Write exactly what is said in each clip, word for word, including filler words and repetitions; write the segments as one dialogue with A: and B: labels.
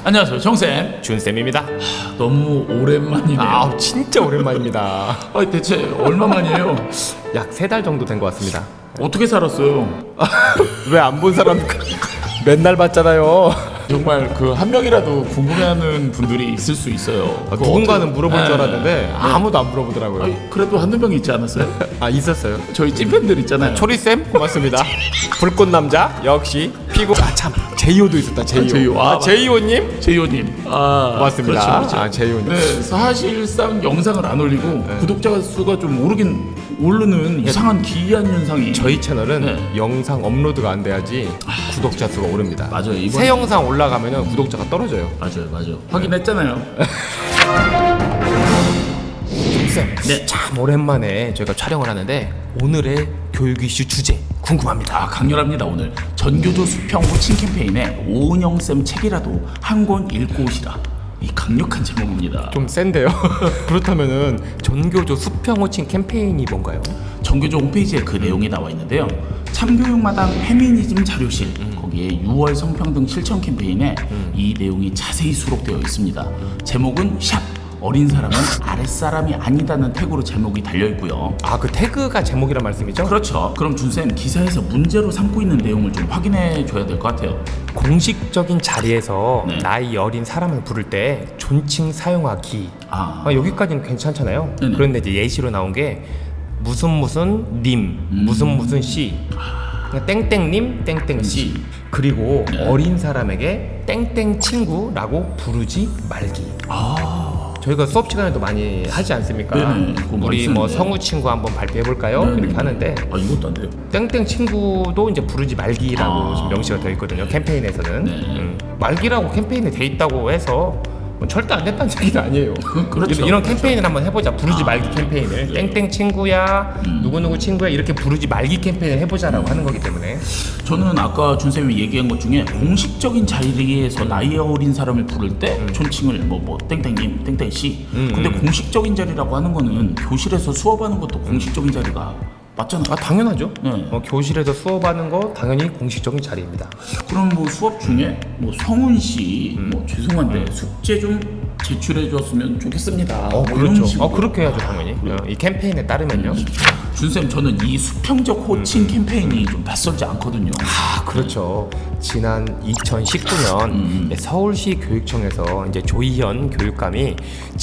A: 안녕하세요, 정쌤.
B: 준쌤입니다.
A: 너무 오랜만이네요.
B: 아, 진짜 오랜만입니다.
A: 아, 대체 얼마만이에요?
B: 약 세 달 정도 된 것 같습니다.
A: 어떻게 살았어요?
B: 왜 안 본 사람 맨날 봤잖아요.
A: 정말 그 한 명이라도 궁금해하는 분들이 있을 수 있어요.
B: 아, 누군가는
A: 어떻게-
B: 물어볼 줄
A: 네.
B: 알았는데 아무도 안 물어보더라고요.
A: 아니, 그래도 한두 명 있지 않았어요?
B: 아, 있었어요.
A: 저희 찐팬들 있잖아요.
B: 초리쌤 고맙습니다. 불꽃 남자 역시 피고. 아, 참 제이오도 있었다. 제이오.
A: 아, 제이오. 아,
B: 아, 제이오님
A: 제이오님. 아,
B: 고맙습니다.
A: 그렇죠, 그렇죠.
B: 아, 제이오님.
A: 네, 사실상 영상을 안 올리고 구독자 수가 좀 오르긴 오르는 이상한 기이한 현상이.
B: 저희 채널은
A: 네.
B: 영상 업로드가 안 돼야지 구독자 수가 오릅니다.
A: 맞아요. 이번
B: 새 영상 올라가면은 구독자가 떨어져요.
A: 맞아요, 맞아요. 확인했잖아요.
B: 쌤,
A: 네.
B: 참 오랜만에 저희가 촬영을 하는데 오늘의 교육 이슈 주제 궁금합니다.
A: 아, 강렬합니다. 오늘 전교조 수평 호칭 캠페인에 오은영 쌤 책이라도 한 권 읽고 오시라. 이 강력한 제목입니다.
B: 좀 센데요? 그렇다면은 전교조 수평 호칭 캠페인이 뭔가요?
A: 전교조 홈페이지에 그 내용이 나와 있는데요. 참교육마당 페미니즘 자료실
B: 음.
A: 거기에 유월 성평등 실천 캠페인에 음. 이 내용이 자세히 수록되어 있습니다. 제목은 샵 어린 사람은 아랫사람이 아니다는 태그로 제목이 달려있고요.
B: 아, 그 태그가 제목이란 말씀이죠?
A: 그렇죠. 그럼 준쌤 기사에서 문제로 삼고 있는 내용을 좀 확인해 줘야 될 것 같아요.
B: 공식적인 자리에서
A: 네.
B: 나이 어린 사람을 부를 때 존칭 사용하기.
A: 아,
B: 아, 여기까지는 괜찮잖아요.
A: 네네.
B: 그런데 이제 예시로 나온 게 무슨 무슨 님,
A: 음.
B: 무슨 무슨 씨, 그러니까 땡땡님, 땡땡씨. 그리고
A: 네.
B: 어린 사람에게 땡땡 친구라고 부르지 말기.
A: 아,
B: 저희가 수업 시간에도 많이 하지 않습니까?
A: 네네, 그거 많이
B: 우리 뭐
A: 쓰는데.
B: 성우 친구 한번 발표해 볼까요?
A: 네네.
B: 이렇게 하는데
A: 아, 이것도 안 돼요.
B: 땡땡 친구도 이제 부르지 말기라고
A: 아.
B: 지금 명시가 되어 있거든요. 캠페인에서는.
A: 네.
B: 음, 말기라고 캠페인에 돼 있다고 해서 뭐 절대 안 됐다는 얘기는 아니에요.
A: 그렇죠.
B: 이런, 이런 캠페인을 한번 해보자. 부르지
A: 아,
B: 말기 캠페인을.
A: 네.
B: 땡땡 친구야,
A: 음.
B: 누구누구 친구야 이렇게 부르지 말기 캠페인을 해보자라고 하는 거기 때문에.
A: 저는 아까 준쌤이 얘기한 것 중에 공식적인 자리에서 나이 어린 사람을 부를 때 존칭을 뭐 뭐 땡땡님, 땡땡씨.
B: 음,
A: 근데
B: 음.
A: 공식적인 자리라고 하는 거는 교실에서 수업하는 것도 공식적인 자리가 맞잖아요.
B: 아, 당연하죠.
A: 네.
B: 어, 교실에서 수업하는 거 당연히 공식적인 자리입니다.
A: 그럼 뭐 수업 중에 뭐 성훈 씨,
B: 음.
A: 뭐 죄송한데 숙제 좀 제출해 줬으면 좋겠습니다.
B: 어,
A: 뭐 이런
B: 그렇죠.
A: 식으로.
B: 어, 그렇게 해야죠, 당연히. 어, 이 캠페인에 따르면요.
A: 준쌤, 저는 이 수평적 호칭 캠페인이 좀 낯설지 않거든요.
B: 아, 그렇죠. 지난 이천십구 년
A: 음.
B: 서울시 교육청에서 이제 조희현 교육감이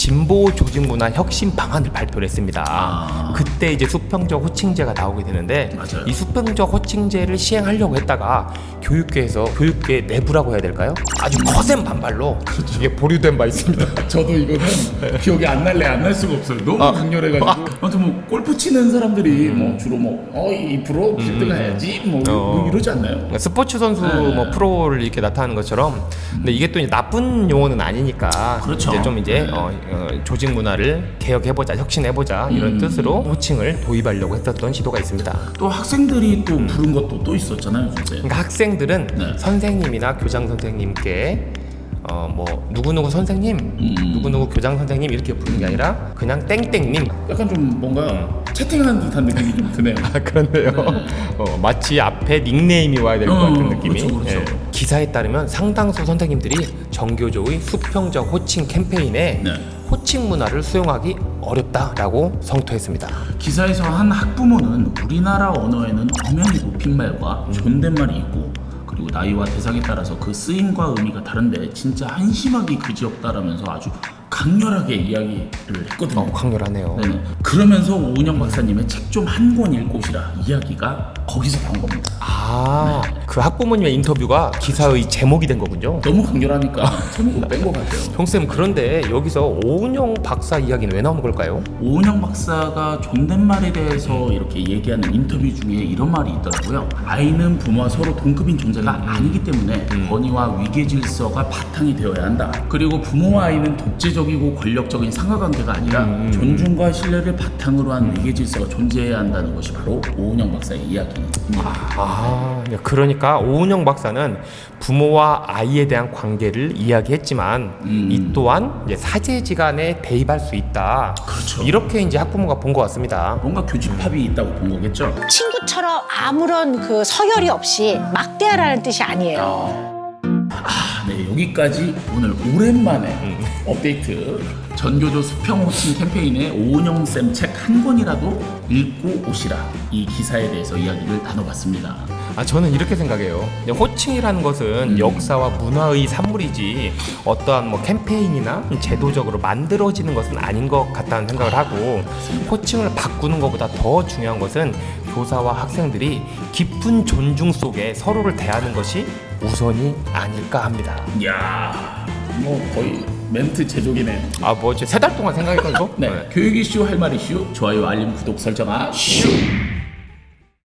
B: 진보 조직 문화 혁신 방안을 발표를 했습니다.
A: 아.
B: 그때 이제 수평적 호칭제가 나오게 되는데
A: 맞아요.
B: 이 수평적 호칭제를 시행하려고 했다가 교육계에서 교육계 내부라고 해야 될까요? 아주 거센 반발로 이게 보류된 바 있습니다.
A: 저도 이거는 기억이 안 날래 안 날 수가 없어요. 너무
B: 아.
A: 강렬해가지고. 아무튼 뭐 골프 치는 사람들이 뭐 주로 뭐어이 프로 필드 가야지 뭐,
B: 어.
A: 뭐 이러지 않나요?
B: 스포츠 선수
A: 네.
B: 뭐 프로를 이렇게 나타나는 것처럼, 근데 이게 또 이제 나쁜 용어는 아니니까
A: 그렇죠.
B: 이제 좀 이제
A: 네.
B: 어, 어, 조직 문화를 개혁해보자, 혁신해보자 이런
A: 음.
B: 뜻으로 호칭을 도입하려고 했었던 시도가 있습니다.
A: 또 학생들이 또 부른 것도 또 있었잖아요, 준쌤.
B: 그러니까 학생들은
A: 네.
B: 선생님이나 교장 선생님께 어 뭐 누구누구 선생님,
A: 음.
B: 누구누구 교장 선생님 이렇게 부르는 게 아니라 그냥 땡땡님.
A: 약간 좀 뭔가 채팅하는 듯한 느낌이 좀 드네요.
B: 아, 그런데요. 어, 마치 앞에 닉네임이 와야 될 것
A: 어,
B: 같은 느낌이.
A: 그렇죠, 그렇죠.
B: 예. 기사에 따르면 상당수 선생님들이 정교조의 수평적 호칭 캠페인에
A: 네.
B: 호칭 문화를 수용하기 어렵다라고 성토했습니다.
A: 기사에서 한 학부모는 우리나라 언어에는 엄연히 높임말과 존댓말이 있고, 그리고 나이와 대상에 따라서 그 쓰임과 의미가 다른데 진짜 한심하기 그지없다라면서 아주 강렬하게 이야기를 했거든요.
B: 어, 강렬하네요.
A: 네네. 그러면서 오은영 박사님의 책 좀 한 권 읽고 오시라 이야기가 거기서 나온 겁니다.
B: 아, 그 학부모님의 인터뷰가 기사의 제목이 된 거군요.
A: 너무 강렬하니까 제목을 뺀 것 같아요.
B: 형쌤, 그런데 여기서 오은영 박사 이야기는 왜 나오는 걸까요?
A: 오은영 박사가 존댓말에 대해서 이렇게 얘기하는 인터뷰 중에 이런 말이 있더라고요. 아이는 부모와 서로 동급인 존재가 아니기 때문에 권위와 위계 질서가 바탕이 되어야 한다. 그리고 부모와 아이는 독재적이고 권력적인 상하관계가 아니라 존중과 신뢰를 바탕으로 한 위계 질서가 존재해야 한다는 것이 바로 오은영 박사의 이야기입니다.
B: 아, 그러니까 오은영 박사는 부모와 아이에 대한 관계를 이야기했지만
A: 음.
B: 이 또한 이제 사제지간에 대입할 수 있다.
A: 그렇죠.
B: 이렇게 이제 학부모가 본 것 같습니다.
A: 뭔가 교집합이 있다고 본 거겠죠?
C: 친구처럼 아무런 그 서열이 없이 막대하라는 뜻이 아니에요.
A: 아, 네, 여기까지 오늘 오랜만에
B: 음.
A: 업데이트 전교조 수평 호칭 캠페인의 오은영 쌤 책 한 권이라도 읽고 오시라, 이 기사에 대해서 이야기를 나눠봤습니다.
B: 아, 저는 이렇게 생각해요. 호칭이라는 것은
A: 음.
B: 역사와 문화의 산물이지 어떠한 뭐 캠페인이나 제도적으로 만들어지는 것은 아닌 것 같다는 생각을 하고, 호칭을 바꾸는 것보다 더 중요한 것은 교사와 학생들이 깊은 존중 속에 서로를 대하는 것이 우선이 아닐까 합니다.
A: 이야, 뭐 거의 멘트 제조기네요.
B: 아, 뭐지? 세 달 동안 생각했던 거?
A: 네, 교육 이슈 할 말 이슈, 좋아요, 알림, 구독 설정아 슈.